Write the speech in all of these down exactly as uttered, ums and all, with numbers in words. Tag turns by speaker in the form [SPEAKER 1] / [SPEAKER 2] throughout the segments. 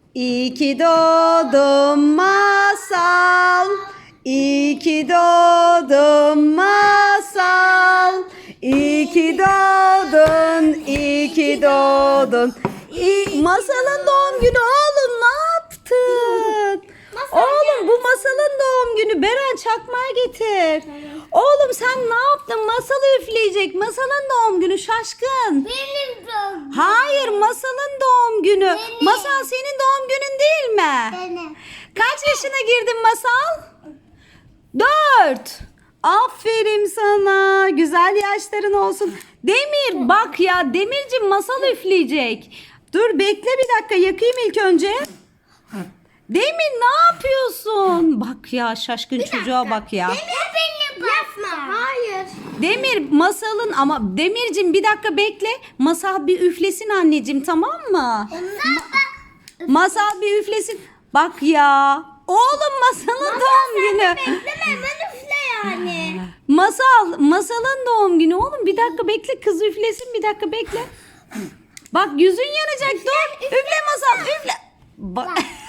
[SPEAKER 1] İyi ki doğdun Masal. İyi ki doğdun Masal. İyi ki doğdun, iyi ki doğdun. İyi... Masal'ın doğum günü oğlum, ne yaptın? Oğlum bu Masal'ın doğum günü. Beren çakmağı getir. Oğlum sen ne yaptın? Masal üfleyecek. Masal'ın doğum günü şaşkın.
[SPEAKER 2] Benim doğum günüm.
[SPEAKER 1] Hayır, Masal'ın doğum günü.
[SPEAKER 2] Benim.
[SPEAKER 1] Masal senin doğum günün değil mi?
[SPEAKER 2] Benim.
[SPEAKER 1] Kaç yaşına girdin Masal? Dört. Aferin sana. Güzel yaşların olsun. Demir bak ya, Demircim Masal üfleyecek. Dur bekle bir dakika, yakayım ilk önce. Demir ne yapıyorsun? Bak ya, şaşkın çocuğa bak ya.
[SPEAKER 2] Demir benim yapma. Hayır.
[SPEAKER 1] Demir Masal'ın, ama Demircim bir dakika bekle. Masal bir üflesin anneciğim, tamam mı? Masal bir üflesin. Bak ya. Oğlum Masal'ın doğum günü.
[SPEAKER 2] Bekleme hemen üfle yani.
[SPEAKER 1] Masal, Masal'ın doğum günü oğlum. Bir dakika bekle, kız üflesin, bir dakika bekle. Bak yüzün yanacak, dur. Üfle Masal, üfle. Bak.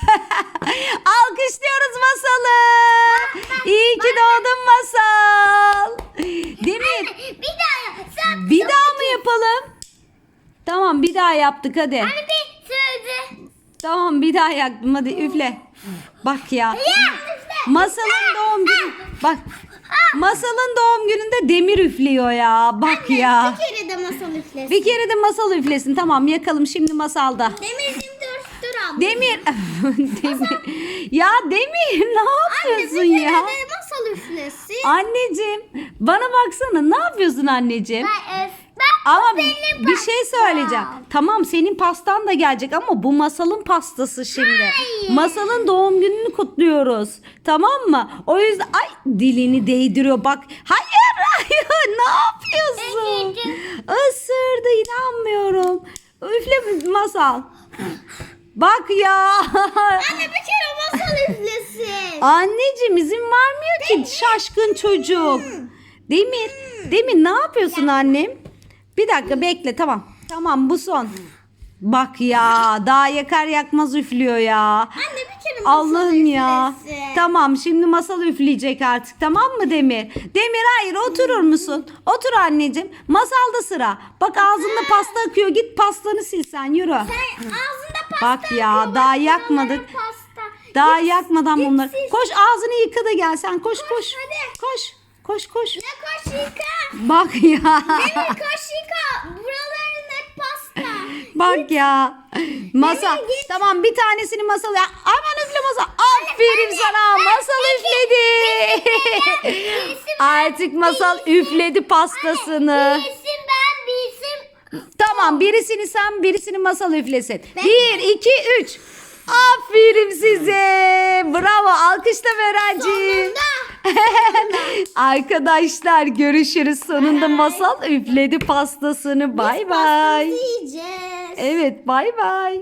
[SPEAKER 1] Alkışlıyoruz Masal'ı. İyi ki doğdun Masal. Demir.
[SPEAKER 2] Bir daha yap. Sen
[SPEAKER 1] Bir daha mı yapalım? Tamam, bir daha yaptık hadi.
[SPEAKER 2] Hani bir söyle.
[SPEAKER 1] Tamam, bir daha yaktım hadi üfle. Bak ya. Masal'ın doğum günü. Bak. Masal'ın doğum gününde Demir üflüyor ya. Bak ya.
[SPEAKER 2] Bir kere de masal üflesin.
[SPEAKER 1] Bir kere de Masal üflesin. Tamam, yakalım şimdi Masal'da.
[SPEAKER 2] Demircim dur. Dur abla.
[SPEAKER 1] Demir. Demir. Ya Demir ne
[SPEAKER 2] Anne bir
[SPEAKER 1] yapıyorsun
[SPEAKER 2] kere
[SPEAKER 1] ya?
[SPEAKER 2] de masal üflesin.
[SPEAKER 1] Anneciğim bana baksana, ne yapıyorsun anneciğim?
[SPEAKER 2] Ben, e, ben
[SPEAKER 1] Ama
[SPEAKER 2] benim
[SPEAKER 1] bir şey
[SPEAKER 2] pastam.
[SPEAKER 1] söyleyeceğim. Tamam, senin pastan da gelecek ama bu Masal'ın pastası şimdi.
[SPEAKER 2] Hayır.
[SPEAKER 1] Masal'ın doğum gününü kutluyoruz. Tamam mı? O yüzden ay dilini değdiriyor bak. Hayır hayır, ne yapıyorsun?
[SPEAKER 2] Anneciğim.
[SPEAKER 1] Isırdı, inanmıyorum. Üfle Masal. Bak ya.
[SPEAKER 2] Anne bir kere masal üflesin.
[SPEAKER 1] Anneciğim izin vermiyor ki şaşkın çocuk. Demir, Demir ne yapıyorsun annem? Bir dakika bekle, tamam. Tamam, bu son. Bak ya, daha yakar yakmaz üflüyor ya.
[SPEAKER 2] Anne bir kere masal
[SPEAKER 1] Allah'ım ya.
[SPEAKER 2] üflesin.
[SPEAKER 1] Tamam, şimdi Masal üfleyecek artık, tamam mı Demir? Demir hayır, oturur musun? Otur anneciğim. Masalda sıra. Bak ağzında pasta akıyor, git pastanı sil sen, yürü.
[SPEAKER 2] Sen ağzında pasta
[SPEAKER 1] Bak ya,
[SPEAKER 2] akıyor,
[SPEAKER 1] daha
[SPEAKER 2] bak
[SPEAKER 1] yakmadık.
[SPEAKER 2] buralara Pasta.
[SPEAKER 1] Daha
[SPEAKER 2] Git-
[SPEAKER 1] yakmadan
[SPEAKER 2] git
[SPEAKER 1] bunları.
[SPEAKER 2] sil.
[SPEAKER 1] Koş ağzını yıka da gel sen, koş koş.
[SPEAKER 2] hadi.
[SPEAKER 1] Koş koş koş.
[SPEAKER 2] Ne koş yıka.
[SPEAKER 1] Bak ya.
[SPEAKER 2] Demir koş yıka. Buraların hep pasta.
[SPEAKER 1] Bak ya. Masa.
[SPEAKER 2] Demir, git.
[SPEAKER 1] Tamam, bir tanesini Masal ya. Aman üfle Masal. Aferin sana. Masal üfledi. Artık Masal üfledi pastasını.
[SPEAKER 2] Bir isim ben bir isim.
[SPEAKER 1] Tamam, birisini sen, birisini Masal üflesin. Bir, iki, üç. Aferin size. Bravo. Alkışla Berenciğim. Arkadaşlar görüşürüz. Sonunda Masal üfledi pastasını. Bay bay.
[SPEAKER 2] Pastamızı yiyeceğiz.
[SPEAKER 1] Evet, bay bay.